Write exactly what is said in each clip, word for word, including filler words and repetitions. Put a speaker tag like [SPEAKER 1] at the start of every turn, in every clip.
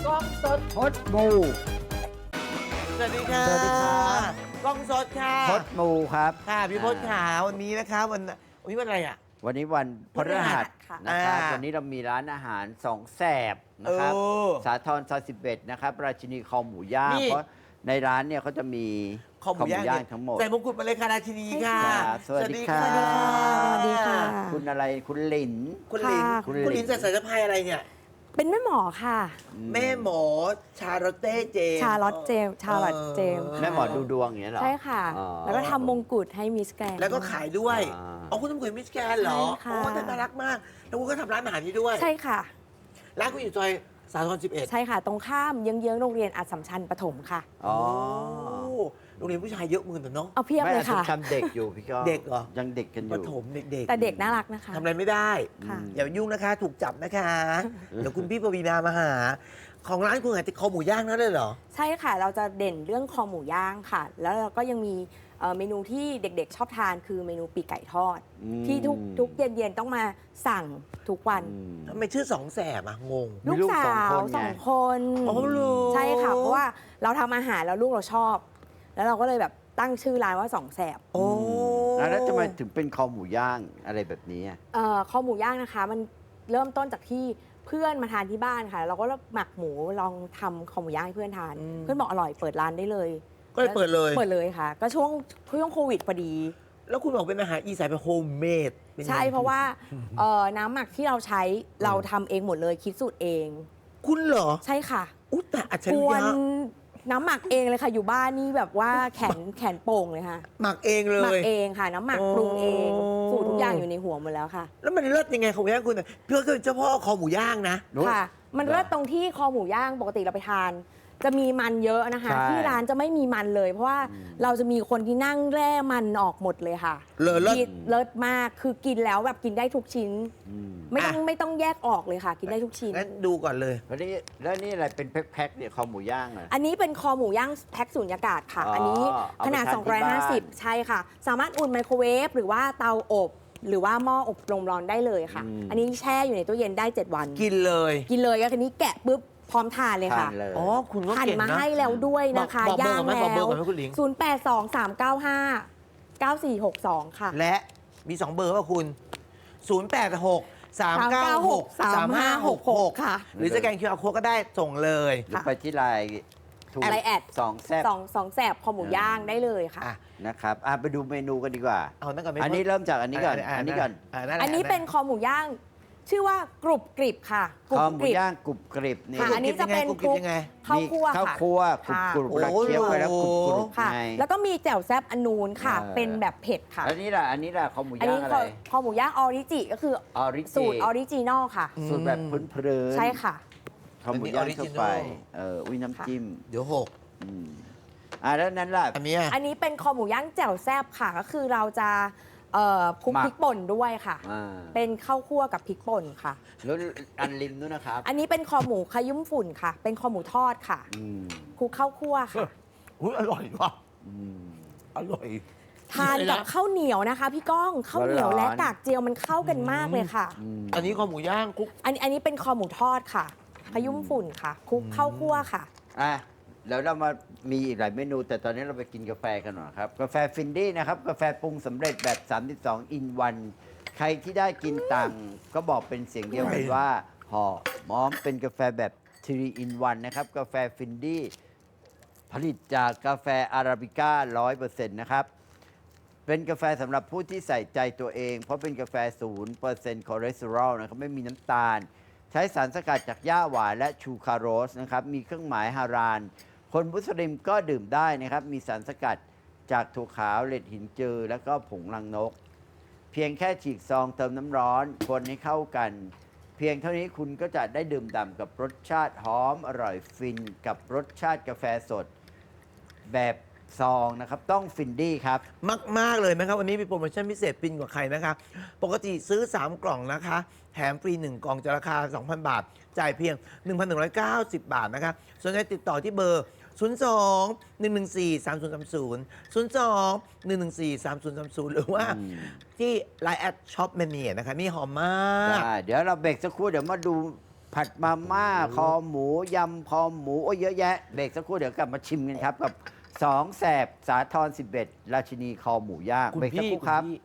[SPEAKER 1] กล้องสด
[SPEAKER 2] พดมู
[SPEAKER 1] สวัสดีค่ะ
[SPEAKER 2] สวัสดีครับ
[SPEAKER 1] กล้องสดค่ะ
[SPEAKER 2] พดมูครับ
[SPEAKER 1] ค่ะพี่พจน์ขาวันนี้นะคะวันวันนี้วันอะไรอ่ะ
[SPEAKER 2] วันนี้วันพฤหัส
[SPEAKER 3] ค่ะ
[SPEAKER 2] นะครับ
[SPEAKER 1] อ่า
[SPEAKER 2] วันนี้เรามีร้านอาหารสองแสบนะครับ
[SPEAKER 1] เออ
[SPEAKER 2] สาทรซอยสิบเอ็ดนะครับ ราชินีคอหมูย่าง
[SPEAKER 1] นี่
[SPEAKER 2] เพราะในร้านเนี่ยเขาจะมี
[SPEAKER 1] คอหมูย่างเนี่ย
[SPEAKER 2] ทั้งหมด
[SPEAKER 1] ใส่มงกุฎมาเลยค่ะราชินีค่ะ
[SPEAKER 2] ครับสวัสดีค่ะ
[SPEAKER 3] สวัสดีค่ะ
[SPEAKER 2] คุณอะไรคุณหลิน
[SPEAKER 1] คุณลิน
[SPEAKER 3] ค่ะ
[SPEAKER 2] คุ
[SPEAKER 1] คุณ
[SPEAKER 2] ณลิน
[SPEAKER 1] ลินใส่สายสะพายอะไรเนี่ย
[SPEAKER 3] เป็นแม่หมอค่ะ
[SPEAKER 1] แม่หมอชาโรเต้เจมส์
[SPEAKER 3] ชาลอตเจมส์ชาลอตเจมส์
[SPEAKER 2] แม่หมอดูดวงอย่างเงี้ยเหรอ
[SPEAKER 3] ใช่ค่ะ
[SPEAKER 2] อ๋อ
[SPEAKER 3] แล้วก็ทำมงกุฎให้มิสแกรนด์
[SPEAKER 1] แล้วก็ขายด้วย
[SPEAKER 2] อ่า
[SPEAKER 1] อ๋อคุณทำกุฎมิสแกนเหรอ
[SPEAKER 3] ใช่ค่ะ
[SPEAKER 1] โอ้แต่น่ารักมาก แล้วคุณก็ทำร้านอาหารนี้ด้วย
[SPEAKER 3] ใช่ค่ะ
[SPEAKER 1] ร้านคุณอยู่ซอยสาทรสิบเอ็ด
[SPEAKER 3] ใช่ค่ะ ตรงข้ามเยื้องๆโรงเรียนอัสสัมชัญประถมค่ะ
[SPEAKER 2] อ๋อ
[SPEAKER 1] โรงเรียนผู้ชายเยอะมือแต่น้อง
[SPEAKER 3] เอาเพียบ
[SPEAKER 2] ไม่
[SPEAKER 3] เล
[SPEAKER 2] อาย จจะ
[SPEAKER 3] ค่ะ
[SPEAKER 2] ทำเด็กอยู่พี่ก็
[SPEAKER 1] เด็กเหรอ
[SPEAKER 2] ยังเด็กกันอ
[SPEAKER 1] ป
[SPEAKER 2] ยู่
[SPEAKER 1] ฐมเด็กๆ
[SPEAKER 3] แต่เด็กน่ารักนะคะ
[SPEAKER 1] ทำอะไรไม่ได้
[SPEAKER 3] ค่ะ
[SPEAKER 1] อย่ายุ่งนะคะ ถูกจับนะคะ เดี๋ยวคุณพี่ปวีนามาหา ของร้านคุณขายแต่คอหมูย่างนั่นเลยเหรอ
[SPEAKER 3] ใช่ค่ะ เราจะเด่นเรื่องคอหมูย่างค่ะ แล้วเราก็ยังมีเอ่อเมนูที่เด็กๆ ชอบทานคือเมนูปีกไก่ทอด
[SPEAKER 2] อืม
[SPEAKER 3] ที่ทุกทุกเย็นๆต้องมาสั่งทุกวัน
[SPEAKER 2] อืม
[SPEAKER 1] ทำไมชื่อสองแสบอะงง
[SPEAKER 2] มี
[SPEAKER 3] ลูก
[SPEAKER 2] ลูก
[SPEAKER 3] สา
[SPEAKER 2] สอง
[SPEAKER 3] ว
[SPEAKER 2] คนไง
[SPEAKER 3] สองคน
[SPEAKER 1] อ๋อเหรอ
[SPEAKER 3] ใช่ค่ะ เพราะว่าเราทำอาหารแล้วลูกเราชอบ แล้วเราก็เลยแบบตั้งชื่อร้านว่าสองแสบ
[SPEAKER 1] โอ้
[SPEAKER 2] แล้วทำไมถึงเป็นคอหมูย่างอะไรแบบนี้อะ
[SPEAKER 3] เอ่อคอหมูย่างนะคะ มันเริ่มต้นจากที่เพื่อนมาทานที่บ้านค่ะ เราก็หมักหมูลองทำคอหมูย่างให้เพื่อนทาน เพื่อนบอกอร่อยเปิดร้านได้เลย
[SPEAKER 1] ก็เลยเปิดเลย
[SPEAKER 3] เปิดเลยค่ะ ก็ช่วงช่วงโควิดพอดี
[SPEAKER 1] แล้วคุณบอกเป็นอาหารอีสานเป็นโฮมเมดเป็นไง
[SPEAKER 3] ใช่เพราะว่าเอ่อน้ำหมักที่เราใช้เราทำเองหมดเลยคิดสูตรเอง
[SPEAKER 1] คุณเหรอ
[SPEAKER 3] ใช่ค่ะ
[SPEAKER 1] อุ๊ยแต่อัจฉ
[SPEAKER 3] ก
[SPEAKER 1] ริ
[SPEAKER 3] วย
[SPEAKER 1] ะ
[SPEAKER 3] นน้ำหมักเองเลยค่ะ อยู่บ้านนี่แบบว่าแขนแขนโป่งเลยค่ะ
[SPEAKER 1] หมักเองเล
[SPEAKER 3] หมัก
[SPEAKER 1] ย
[SPEAKER 3] เองค่ะ น้ำหมัก
[SPEAKER 1] โอ้
[SPEAKER 3] ปรุงเองสูตรทุกอย่างอยู่ในหัวหมดแล้วค่ะ
[SPEAKER 1] แล้วมันเลิศยังไงคอหมูย่างคุณอะเพื่อคือเจ้าพ่อคอหมูย่างนะ
[SPEAKER 2] นู้น
[SPEAKER 3] ค่ะ มันเลิศตรงที่คอหมูย่างปกติเราไปทาน จะมีมันเยอะนะคะ
[SPEAKER 2] ใช่
[SPEAKER 3] ที่ร้านจะไม่มีมันเลย เพราะว่าเราจะมีคนที่นั่งแร่มันออกหมดเลยค่ะ
[SPEAKER 1] เลอเลิศ
[SPEAKER 3] กินเลิศมากคือกินแล้วแบบกินได้ทุกชิ้น
[SPEAKER 2] อืม
[SPEAKER 3] ไม่ต้อง
[SPEAKER 1] อ่ะ
[SPEAKER 3] ไม่ต้องแยกออกเลยค่ะ กินได้ทุกชิ้น
[SPEAKER 1] งั้นดูก่อนเลย
[SPEAKER 2] แล้วนี่แล้วนี่อะไรเป็นแพ็คๆเนี่ยคอหมูย่างอะ
[SPEAKER 3] อันนี้เป็นคอหมูย่างแพ็คสูญญากาศค่ะ
[SPEAKER 2] อ๋ออั
[SPEAKER 3] อันนี้
[SPEAKER 2] เอาไป
[SPEAKER 3] ขนาด
[SPEAKER 2] ทานที่บ้าน
[SPEAKER 3] สองร้อยห้าสิบ ใช่ค่ะ สามารถอุ่นไมโครเวฟหรือว่าเตาอบ หรือว่าหม้ออบลมร้อนได้เลยค่ะ อันนี้แช่อยู่ในตู้เย็นได้ เจ็ด วัน
[SPEAKER 1] กินเลย
[SPEAKER 3] กินเลยก็คือนี้แกะปุ๊บพร้อมทานเลย
[SPEAKER 2] ทา
[SPEAKER 3] ค่ะ
[SPEAKER 2] นเลย
[SPEAKER 1] อ๋อคุณก็
[SPEAKER 3] หั่น
[SPEAKER 1] เก่ง
[SPEAKER 3] มา
[SPEAKER 1] นะ
[SPEAKER 3] ให้แล้วด้วยนะคะ
[SPEAKER 1] บอกบอกเบอร์
[SPEAKER 3] ย่าง
[SPEAKER 1] ก่อนไหม
[SPEAKER 3] แล้
[SPEAKER 1] บอกเบอร์
[SPEAKER 3] ว
[SPEAKER 1] ก่อนไหมคุณหลิง
[SPEAKER 3] ศูนย์ แปด สอง สาม เก้า ห้า เก้า สี่ หก สอง ค่ะ
[SPEAKER 1] และมีสองเบอร์ว่าคุณ ศูนย์ แปด หก สาม เก้า หก สาม ห้า หก หก
[SPEAKER 3] ค่ะ
[SPEAKER 1] หรือสแกน คิว อาร์ Code ก็ได้ส่งเลย
[SPEAKER 2] หรือไปที่ไลน์ถูก
[SPEAKER 3] อะไรแอด
[SPEAKER 2] สองแซ่บ
[SPEAKER 3] สองสองแสบคอหมูย่างได้เลยค่ะ
[SPEAKER 1] อ่ะ
[SPEAKER 2] นะครับอ่ะไปดูเมนูกันดีกว่า
[SPEAKER 1] เอานั่นก่อนไหม
[SPEAKER 2] อันนี้เริ่มจากอันนี้ก่อน อันนี้ก่อน
[SPEAKER 1] ะแหละ
[SPEAKER 3] อันนี้เป็นคอหมูย่าง ชื่อว่ากรุบกริบค่ะกรุ
[SPEAKER 2] ค
[SPEAKER 3] บ
[SPEAKER 2] อหมู
[SPEAKER 3] กริบ
[SPEAKER 2] ย่างกรุบกริบนี่
[SPEAKER 3] ค่ะอันนี้จะเป็น
[SPEAKER 1] กรุบกริบยังไง
[SPEAKER 3] ข้าวคั่ว
[SPEAKER 2] มีข้าว
[SPEAKER 3] ค่ะ
[SPEAKER 2] คั่วกรุบ
[SPEAKER 3] ค่ะ
[SPEAKER 2] กรุบ
[SPEAKER 1] โอ้
[SPEAKER 2] แล้วเคี้ยวไปแล้วกรุบกรุบ
[SPEAKER 3] ค่ะ
[SPEAKER 2] ไง
[SPEAKER 3] แล้วก็มีแจ่วแซบอนนูนค่ะ
[SPEAKER 2] เออ
[SPEAKER 3] เป็นแบบเผ็ดค่ะ
[SPEAKER 2] แล้วนี่ล่ะ อันนี้ล่ะคอหมู
[SPEAKER 3] อัน
[SPEAKER 2] ย่า
[SPEAKER 3] นี้
[SPEAKER 2] งอะ
[SPEAKER 3] ค
[SPEAKER 2] ไร
[SPEAKER 3] อคอหมูย่างออริจิก็คือ
[SPEAKER 2] ออริจิ
[SPEAKER 3] สูตรออริจินอลค่ะ
[SPEAKER 2] สูตรแบบพื้นเพลิน
[SPEAKER 3] ใช่ค่ะ
[SPEAKER 2] คอหมูย่างทั่วไปเอออุ้ยน้ำจิ้ม
[SPEAKER 1] เดี๋ยวหก
[SPEAKER 2] อืมอ่ะแล้วนั้นล่ะ
[SPEAKER 1] อันเนี้ย
[SPEAKER 3] อันนี้เป็นคอหมูย่างแจ่วแซบค่ะ ก็คือเราจะเอ่อคลุก
[SPEAKER 2] หมัก
[SPEAKER 3] พริกป่นด้วยค่ะ
[SPEAKER 2] อ่า
[SPEAKER 3] เป็นข้าวคั่วกับพริกป่นค่ะ
[SPEAKER 2] แล้วอันริมนู้นนะครับ
[SPEAKER 3] อันนี้เป็นคอหมูขยุ่มฝุ่นค่ะ เป็นคอหมูทอดค่ะ
[SPEAKER 2] อืม
[SPEAKER 3] คลุกข้าวคั่วค่ะ
[SPEAKER 1] อุ้ยอร่อยว่ะ
[SPEAKER 2] อืม
[SPEAKER 1] อร่อย
[SPEAKER 3] ทานกับข้าวเหนียวนะคะ พี่ก้องข้าวเหนียว
[SPEAKER 2] ร้อนๆ
[SPEAKER 3] และกากเจียวมันเข้ากันมากเลยค่ะ
[SPEAKER 2] อืม
[SPEAKER 1] อันนี้คอหมูย่างคุก
[SPEAKER 3] อันอันนี้เป็นคอหมูทอดค่ะขยุ่มฝุ่นค่ะคลุกข้าวคั่วค่ะ
[SPEAKER 2] อ่ะแล้วเรามามีอีกหลายเมนู แต่ตอนนี้เราไปกินกาแฟกันหน่อยครับ กาแฟฟินดี้นะครับ กาแฟปรุงสำเร็จแบบ สามสิบสอง อินวัน ใครที่ได้กินตังก็บอกเป็นเสียงเดียวกันว่าหอมอมเป็นกาแฟแบบทรีอินวันนะครับ กาแฟฟินดี้ผลิตจากกาแฟอาราบิก้า ร้อยเปอร์เซ็นต์ นะครับ เป็นกาแฟสำหรับผู้ที่ใส่ใจตัวเอง เพราะเป็นกาแฟ ศูนย์เปอร์เซ็นต์ คอเลสเตอรอลนะครับ ไม่มีน้ำตาล ใช้สารสกัดจากหญ้าหวานและชูคาโรสนะครับ มีเครื่องหมายฮาราน คนมุสลิมก็ดื่มได้นะครับ มีสารสกัดจากถั่วขาวเล็ดหินจือ แล้วก็ผงรังนก เพียงแค่ฉีกซองเติมน้ำร้อนคนให้เข้ากัน เพียงเท่านี้คุณก็จะได้ดื่มด่ำกับรสชาติหอมอร่อยฟินกับรสชาติกาแฟสด แบบซองนะครับ ต้องฟินดี้ครับ
[SPEAKER 1] มากมากๆเลยนะครับ วันนี้มีโปรโมชั่นพิเศษฟินกว่าใครนะคะ ปกติซื้อ สาม กล่องนะคะ แถมฟรี หนึ่ง กล่องจะราคา สองพัน บาท จ่ายเพียง หนึ่งพันหนึ่งร้อยเก้าสิบ บาทนะคะสนใจติดต่อที่เบอร์ ศูนย์ สอง หนึ่ง หนึ่ง สี่ สาม ศูนย์ สาม ศูนย์ ศูนย์ สอง หนึ่ง หนึ่ง สี่ สาม ศูนย์ สาม ศูนย์ หรือว่า
[SPEAKER 2] อืม
[SPEAKER 1] ที่ ไลน์ แอดช็อปแมเนียนะคะ นี่หอมมาก
[SPEAKER 2] ได้เดี๋ยวเราเบรกสักครู่เดี๋ยวมาดูผัดมาม่าคอหมูยำคอหมูโอ้ยเยอะแยะเบรกสักครู่เดี๋ยวกลับมาชิมกันครับกับสองแสบสาทรสิบเอ็ดราชินีคอหมูย่าง
[SPEAKER 1] คุณ
[SPEAKER 2] เบรกสัก
[SPEAKER 1] พี่
[SPEAKER 2] ครู่ครับ
[SPEAKER 1] ณพี่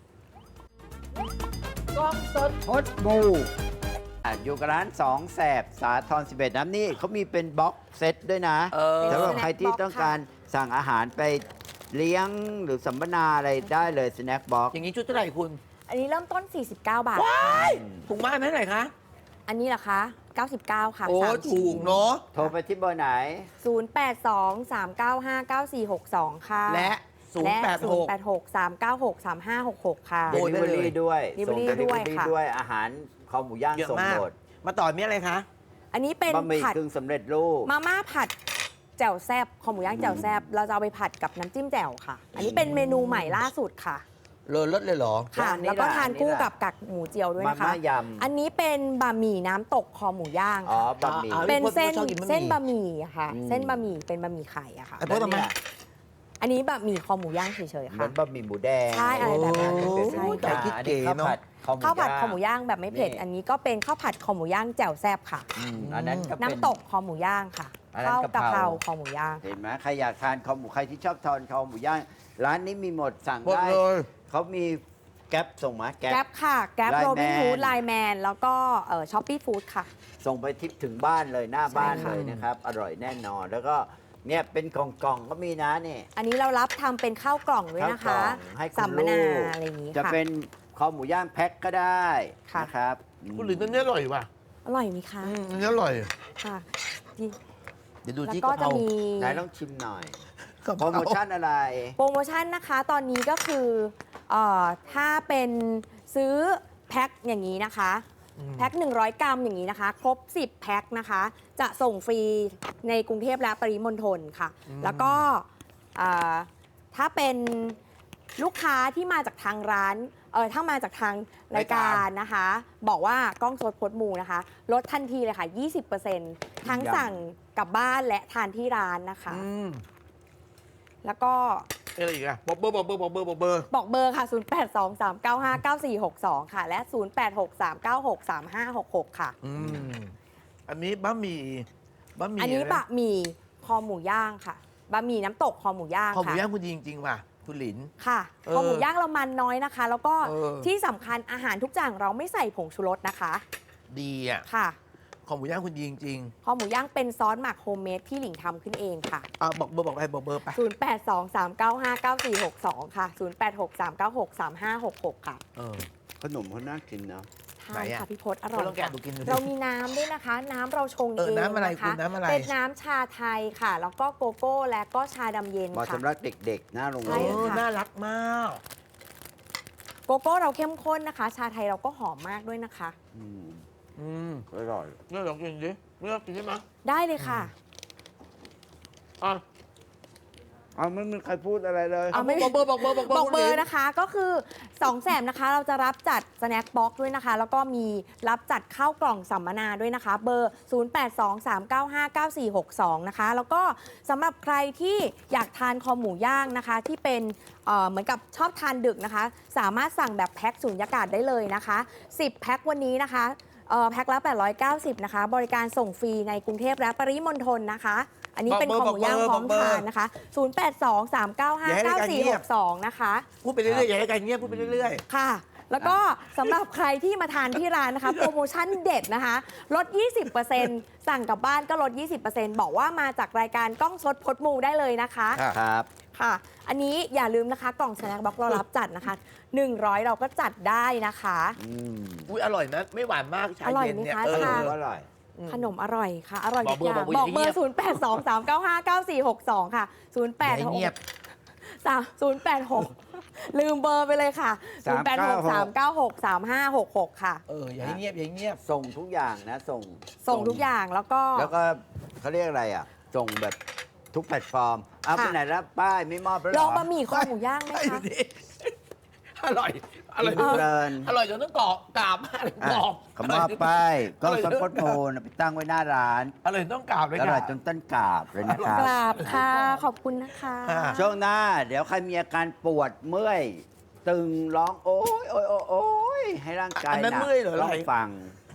[SPEAKER 2] กล้องสดพดบูอ่ะอยู่กับร้านสองแสบสาทรสิบเอ็ดน้ำนี่เขามีเป็นบ็อกเซตด้วยนะ
[SPEAKER 1] เออ
[SPEAKER 2] สำหรับ
[SPEAKER 3] เป็น
[SPEAKER 2] ใครที่ต้องการสั่งอาหารไปเลี้ยงหรือสัมมนาอะไรได้เลยสแน็คบ็อก
[SPEAKER 1] อย่างนี้ชุดเท่าไหร่คุณ
[SPEAKER 3] อันนี้เริ่มต้น สี่สิบเก้า บาทค่ะ
[SPEAKER 1] ถูกมากไหมไหนคะ
[SPEAKER 3] อันนี้เหรอคะ เก้าสิบเก้า ค่ะ
[SPEAKER 1] โอ้
[SPEAKER 3] สาม
[SPEAKER 1] ถู
[SPEAKER 3] ชิ้
[SPEAKER 1] กเนาะ
[SPEAKER 2] โทรไปที่เบอร์ไหน
[SPEAKER 3] ศูนย์ แปด สอง สาม เก้า ห้า เก้า สี่ หก สอง ค่ะ
[SPEAKER 1] และ
[SPEAKER 3] และ
[SPEAKER 1] ศูนย์ แปด หก
[SPEAKER 3] ศูนย์ แปด หก สาม เก้า หก สาม ห้า หก หก ค่ะ
[SPEAKER 1] โอ้
[SPEAKER 2] เดลิเวอรี่ด้วย ส่ง
[SPEAKER 3] Delivery
[SPEAKER 2] เดลิเวอ
[SPEAKER 3] ด้วย
[SPEAKER 2] รี่
[SPEAKER 3] ค่ะ
[SPEAKER 2] ด้วยอาหารคอหมูย่าง
[SPEAKER 1] เยอะ
[SPEAKER 2] ส่ง
[SPEAKER 1] มาก
[SPEAKER 2] หมด
[SPEAKER 1] มาต่อมีอะไรคะ
[SPEAKER 3] อันนี้เป็น
[SPEAKER 2] บะหมี่
[SPEAKER 3] ผัด
[SPEAKER 2] กึ่งสำเร็จรูป
[SPEAKER 3] มาม่าผัดแจ่วแซบคอหมูย่างแจ่วแซบเราจะเอาไปผัดกับน้ำจิ้มแจ่วค่ะ อันนี้เป็นเมนูใหม่ล่าสุดค่ะ
[SPEAKER 1] เลอเลิศเลยเหรอ
[SPEAKER 3] ค่ะ
[SPEAKER 2] อันนี้
[SPEAKER 3] แล้วก็
[SPEAKER 2] ล่ะ
[SPEAKER 3] ทาน
[SPEAKER 2] อันนี้
[SPEAKER 3] คู่
[SPEAKER 2] ล่ะ
[SPEAKER 3] กับกักหมูเจียวด้วย
[SPEAKER 2] มา
[SPEAKER 3] นะคะ
[SPEAKER 2] ม่ายำ
[SPEAKER 3] อันนี้เป็นบะหมี่น้ำตกคอหมูย่าง
[SPEAKER 2] อ๋อ
[SPEAKER 3] ค่ะ
[SPEAKER 2] บะหมี่
[SPEAKER 1] อ่า
[SPEAKER 3] เป็นเส้น
[SPEAKER 1] ชอบกินบะหมี่
[SPEAKER 3] เส้นบะหมี่อะค่ะ
[SPEAKER 2] อืม
[SPEAKER 3] เส้นบะหมี่เป็นบะหมี่ไข่อะค่ะ
[SPEAKER 1] ไอ้พวกทำไม
[SPEAKER 2] แล้วเนี่ย
[SPEAKER 3] อันนี้บะหมี่คอหมูย่างเฉยๆ
[SPEAKER 2] เหมื
[SPEAKER 3] ค่ะ
[SPEAKER 2] อนบะหมี่หมูแดง
[SPEAKER 3] ใช่อะไรแบบนั้น
[SPEAKER 2] โอ้
[SPEAKER 3] ใช่
[SPEAKER 1] แต่
[SPEAKER 3] ค่ะ
[SPEAKER 1] คิด
[SPEAKER 2] อัน
[SPEAKER 1] เก๋
[SPEAKER 2] นี้ข้าว
[SPEAKER 1] เนอะ
[SPEAKER 2] ผัดคอหมู
[SPEAKER 3] ข้าวผัด
[SPEAKER 2] ย่าง
[SPEAKER 3] คอหมูย่างแบบไม่เผ็ด
[SPEAKER 2] นี่
[SPEAKER 3] อันนี้ก็เป็นข้าวผัดคอหมูย่างแจ่วแซบค่ะ
[SPEAKER 2] อืมอันนั้นก็เป็น
[SPEAKER 3] น้ำตกคอหมูย่างค่ะ
[SPEAKER 2] อันนั้น
[SPEAKER 3] ข้าว
[SPEAKER 2] กะ
[SPEAKER 3] กะ
[SPEAKER 2] เพ
[SPEAKER 3] เพ
[SPEAKER 2] รา
[SPEAKER 3] ราคอหมูย่าง
[SPEAKER 2] เห็นไหมใครอยากทานคอหมูใครที่ชอบทานคอหมูย่างร้านนี้มีหมดสั่ง
[SPEAKER 1] หมด
[SPEAKER 2] ได้
[SPEAKER 1] เลย
[SPEAKER 2] เขามีแก๊ปส่งมาแก๊
[SPEAKER 3] แก๊
[SPEAKER 2] ป
[SPEAKER 3] ปค่ะ แก๊ป
[SPEAKER 2] Line
[SPEAKER 3] โรบิน
[SPEAKER 2] Man
[SPEAKER 3] ฟู้ดไลแมนแล้วก็ช้อปปี้ฟู้ดค่ะ
[SPEAKER 2] ส่งไปทิปถึงบ้านเลยหน้าบ้าน
[SPEAKER 3] ใช่ค่ะ
[SPEAKER 2] เลยนะครับ อร่อยแน่นอน แล้วก็เนี่ยเป็นกล่องๆก็มีนะนี่
[SPEAKER 3] อันนี้เรารับทำเป็นข้าวกล่องด้วยนะ
[SPEAKER 2] ข้าว
[SPEAKER 3] คะ
[SPEAKER 2] กล่องให้คุณ
[SPEAKER 3] สัมมนา
[SPEAKER 2] ลูก
[SPEAKER 3] อะไรอย่างนี้
[SPEAKER 2] จะ
[SPEAKER 3] ค่ะ
[SPEAKER 2] เป็นคอหมูย่างแพ็คก็ได้
[SPEAKER 3] ค่ะ
[SPEAKER 2] นะครับ
[SPEAKER 1] คุณหลินอันนี้อร่อยว่ะ
[SPEAKER 3] อร่อยไหมคะ
[SPEAKER 1] อืมอันนี้อร่อย
[SPEAKER 3] ค่ะที่
[SPEAKER 1] เดี๋ยวดู
[SPEAKER 3] แล้ว
[SPEAKER 1] ที่
[SPEAKER 3] ก็
[SPEAKER 1] กะเพ
[SPEAKER 3] จะ
[SPEAKER 1] รา
[SPEAKER 3] มี
[SPEAKER 2] ไหนลองชิมหน่อย
[SPEAKER 1] กะเพ
[SPEAKER 2] โปร
[SPEAKER 1] รา
[SPEAKER 2] โมชั่นอะไร
[SPEAKER 3] โปรโมชั่นนะคะตอนนี้ก็คือเออถ้าเป็นซื้อแพ็คอย่างนี้นะคะ
[SPEAKER 1] อืม
[SPEAKER 3] แพ็คหนึ่งร้อยกรัมอย่างนี้นะคะ ครบ สิบ แพ็คนะคะ จะส่งฟรีในกรุงเทพและปริมณฑลค่ะ แล้วก็อ่าถ้าเป็นลูกค้าที่มาจากทางร้านเออถ้ามาจากทางรายการนะคะ บอกว่ากล้องสดพดมูนะคะ ลดทันทีเลยค่ะ ยี่สิบเปอร์เซ็นต์ ทั้ง
[SPEAKER 2] ยำ
[SPEAKER 3] สั่งกลับบ้านและทานที่ร้านนะคะ
[SPEAKER 1] อืม
[SPEAKER 3] แล้วก็
[SPEAKER 1] อะไรอีกอะบอกเบอร์บอกเบอร์บอกเบอร์บอกเบอร์
[SPEAKER 3] บอกเบอร์ค่ะ ศูนย์ แปด สอง สาม เก้า ห้า เก้า สี่ หก สอง ค่ะ และ ศูนย์ แปด หก สาม เก้า หก สาม ห้า หก หก ค่ะ
[SPEAKER 1] อืมอันนี้บะหมี่บะหมี่
[SPEAKER 3] อันนี้
[SPEAKER 1] ะไร
[SPEAKER 3] บะหมี่คอหมูย่างค่ะ บะหมี่น้ำตกคอหมูย่าง
[SPEAKER 1] คอหมู
[SPEAKER 3] ค่ะ
[SPEAKER 1] ย่างคุณดีจริงๆว่ะคุณหลิน
[SPEAKER 3] ค่ะ
[SPEAKER 1] เออ
[SPEAKER 3] คอหมูย่างเรามันน้อยนะคะ แล้วก็
[SPEAKER 1] เออ
[SPEAKER 3] ที่สำคัญอาหารทุกอย่างเราไม่ใส่ผงชูรสนะคะ
[SPEAKER 1] ดีอ่ะ
[SPEAKER 3] ค่ะ
[SPEAKER 1] คอหมูย่างคุณดีจริง
[SPEAKER 3] คอหมูย่างเป็นซอสหมักโฮมเมดที่หลิงทำขึ้นเองค่ะ
[SPEAKER 1] ๆอ่ะบอกเบอร์บอกไปบอกเบอร์ไป
[SPEAKER 3] ศูนย์ แปด สอง สาม เก้า ห้า เก้า สี่ หก สอง ค่ะ ศูนย์ แปด หก สาม เก้า หก สาม ห้า หก หก ค่ะ
[SPEAKER 1] เออ
[SPEAKER 2] ขนมเขาน่ากินเนาะ
[SPEAKER 3] ทา
[SPEAKER 1] ไหน
[SPEAKER 3] น
[SPEAKER 1] อะ
[SPEAKER 3] ค่ะพี่พศอร่อ
[SPEAKER 1] ก็
[SPEAKER 3] ย
[SPEAKER 1] ลองแกะ
[SPEAKER 3] ค่ะ
[SPEAKER 1] ดูกินดูสิ
[SPEAKER 3] เรามีน้ำด้วยนะคะ น้ำเราชง
[SPEAKER 1] เอ
[SPEAKER 3] เอ
[SPEAKER 1] อง น้ำอะไร
[SPEAKER 3] นะ
[SPEAKER 1] คุ
[SPEAKER 3] คะ
[SPEAKER 1] ณน้ำอะไร
[SPEAKER 3] เป็นน้ำชาไทยค่ะ แล้วก็โกโก้และก็ชาดำเย็น
[SPEAKER 2] เหมาะ
[SPEAKER 3] ค่ะ
[SPEAKER 2] สำหรับเด็กๆ หน้าโรง
[SPEAKER 1] เอ
[SPEAKER 3] ใช่
[SPEAKER 2] เรียน
[SPEAKER 1] อ
[SPEAKER 3] ค่ะ
[SPEAKER 1] น่ารักมาก
[SPEAKER 3] โกโก้เราเข้มข้นนะคะ ชาไทยเราก็หอมมากด้วยนะคะ
[SPEAKER 2] อืม
[SPEAKER 1] อืม
[SPEAKER 2] อร่อย
[SPEAKER 1] นี่ลองกินดินี่ลองกินได้ไหม
[SPEAKER 3] ได้เลยค่ะ
[SPEAKER 1] อ่ะ
[SPEAKER 2] เอาไม่มีใครพูดอะไรเลย
[SPEAKER 3] เอาไม่
[SPEAKER 1] บอกเบอร์บอกเบอร์บอกเบอร์
[SPEAKER 3] บอกเบอ
[SPEAKER 1] คุณหลิ
[SPEAKER 3] ร์
[SPEAKER 1] น
[SPEAKER 3] นะคะก็คือสองแสนนะคะ เราจะรับจัดสแน็คบ็อกซ์ด้วยนะคะ แล้วก็มีรับจัดข้าวกล่องสัมมนาด้วยนะคะ เบอร์ ศูนย์ แปด สอง สาม เก้า ห้า เก้า สี่ หก สอง นะคะ แล้วก็สำหรับใครที่อยากทานคอหมูย่างนะคะ ที่เป็นเอ่อเหมือนกับชอบทานดึกนะคะ สามารถสั่งแบบแพ็คสุญญากาศได้เลยนะคะ สิบ แพ็ควันนี้นะคะเอ่อแพ็คละแปดร้อยเก้าสิบนะคะ บริการส่งฟรีในกรุงเทพและปริมณฑลนะคะ อันนี้เป็นคอหมูย่างพร้อมทานนะคะ ศูนย์ แปด สอง สาม เก้า ห้า เก้า สี่ หก สอง นะคะ
[SPEAKER 1] พูดไปเรื่อยๆอย่าให้กันเงียบพูดไปเรื่อย
[SPEAKER 3] ค่ะ แล้วก็สำหรับใครที่มาทานที่ร้านนะคะ โปรโมชั่นเด็ดนะคะ ลด ยี่สิบเปอร์เซ็นต์ สั่งกลับบ้านก็ลด ยี่สิบเปอร์เซ็นต์ บอกว่ามาจากรายการกล้องสดพดมูได้เลยนะคะ
[SPEAKER 1] ค่ะ
[SPEAKER 2] ครับ
[SPEAKER 3] ค่ะ อันนี้อย่าลืมนะคะ กล่องสแน็คบ็อกซ์เรารับจัดนะคะหนึ่งร้อยเราก็จัดได้นะคะ
[SPEAKER 2] อืม
[SPEAKER 1] ๆอุ้ยอร่อยนะ ไม่หวานมากชา
[SPEAKER 3] อร่อย
[SPEAKER 1] เย็นเนี่ย
[SPEAKER 3] ไหมคะ
[SPEAKER 1] เออ
[SPEAKER 3] ชา
[SPEAKER 2] อร่อย
[SPEAKER 3] ขนมอร่อยค่ะ อร่อยทุกอย่าง
[SPEAKER 1] บอกเบอร์บอกเบอร์
[SPEAKER 3] บอกเบอร์ ศูนย์ แปด สอง สาม เก้า ห้า เก้า สี่ หก สอง ค่ะ ศูนย์ แปด
[SPEAKER 1] อย่า
[SPEAKER 3] ห
[SPEAKER 1] ให้
[SPEAKER 3] ก
[SPEAKER 1] เงียบ
[SPEAKER 3] สามศูนย์แปดหกลืมเบอร์ไปเลยค่ะ ศูนย์ แปด หก สาม เก้า หก สาม ห้า หก หก ค่ะ
[SPEAKER 1] เอออย่าให้เงียบอย่าให้เงียบ
[SPEAKER 2] ส่งทุกอย่างนะ ส่ง
[SPEAKER 3] ส่งทุกอย่างแล้วก็
[SPEAKER 2] แล้วก็เขาเรียกอะไรอ่ะ ส่งแบบทุกแพลตฟอร์ม เอาไป
[SPEAKER 3] ค่ะ
[SPEAKER 2] ไหนแล้วป้ายไม่มอบแล้วเห
[SPEAKER 3] ล
[SPEAKER 2] ร
[SPEAKER 3] อง
[SPEAKER 2] อ
[SPEAKER 3] บะหมี่คอหมูย่างไหม
[SPEAKER 1] ไอ้
[SPEAKER 3] คะ
[SPEAKER 1] นี่อร่อย อร่อย
[SPEAKER 2] กินเพลิน
[SPEAKER 1] อร่อยจนต้องกรอบกราบมากเลย
[SPEAKER 2] อ่ะ
[SPEAKER 1] กรอบ
[SPEAKER 2] เขามอบป้ายก็
[SPEAKER 1] อร่อย
[SPEAKER 2] สปอตโมนไปตั้งไว้หน้าร้าน
[SPEAKER 1] อร่อยต้องกราบเลย
[SPEAKER 2] อร่
[SPEAKER 1] ค่ะ
[SPEAKER 2] อยจนต้นกราบเลยนะครับ
[SPEAKER 3] กราบค่ะ ขอบคุณนะคะ
[SPEAKER 1] อ่า
[SPEAKER 2] ช่วงหน้า เดี๋ยวใครมีอาการปวดเมื่อย ตึงร้องโอ้ยโอ้ยโอ้ยโอ้ยให้ร่างกาย
[SPEAKER 1] อันนั้น
[SPEAKER 2] หนัก
[SPEAKER 1] เมื่อยเหรอ
[SPEAKER 2] ต้อง
[SPEAKER 1] อะไร
[SPEAKER 2] ฟัง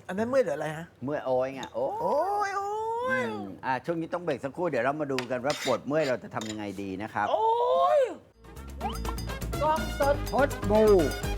[SPEAKER 1] อันนั้นเมื่อยหรืออะไรฮะ
[SPEAKER 2] เมื่อยโอ้ยไงโอ้
[SPEAKER 1] โอ้ยโอ้
[SPEAKER 2] อื
[SPEAKER 1] ย
[SPEAKER 2] มอ่ะช่วงนี้ต้องเบรกสักครู่เดี๋ยวเรามาดูกันว่าปวดเมื่อยเราจะทำยังไงดีนะครับ
[SPEAKER 1] โอ้ย
[SPEAKER 2] กล้องสดพดบู